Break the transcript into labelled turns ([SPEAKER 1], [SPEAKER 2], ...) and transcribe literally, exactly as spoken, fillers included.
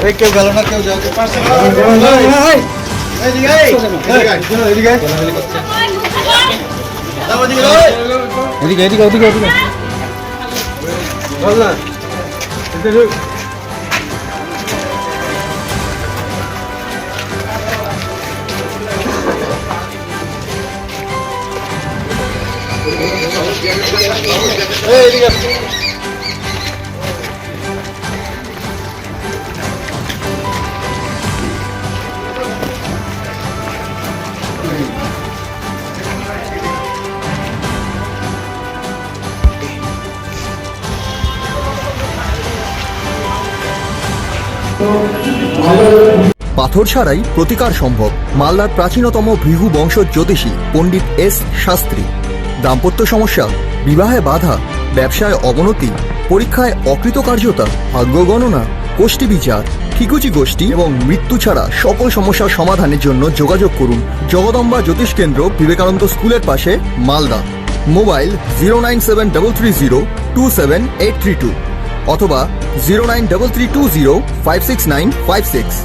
[SPEAKER 1] কেউ গেল না, কেউ যাও। এদিকে আয়, এদিকে আয়। যাও, এদিকে যাও।
[SPEAKER 2] এদিকে এদিকে ওদিকে ওদিকে
[SPEAKER 1] বল না। এদিকে যাও। এই, এদিকে আয়।
[SPEAKER 3] পাথর ছাড়াই প্রতিকার সম্ভব। মালদার প্রাচীনতম ভৃগু বংশ জ্যোতিষী পণ্ডিত এস শাস্ত্রী। দাম্পত্য সমস্যা, বিবাহে বাধা, ব্যবসায় অবনতি, পরীক্ষায় অকৃতকার্যতা, ভাগ্য গণনা, কোষ্ঠী বিচার, ঠিকুচি গোষ্ঠী এবং মৃত্যু ছাড়া সকল সমস্যার সমাধানের জন্য যোগাযোগ করুন জগদম্বা জ্যোতিষ কেন্দ্র, বিবেকানন্দ স্কুলের পাশে, Malda. Mobile zero nine seven double three zero two seven eight three two অথবা zero nine double three two zero five six nine five six.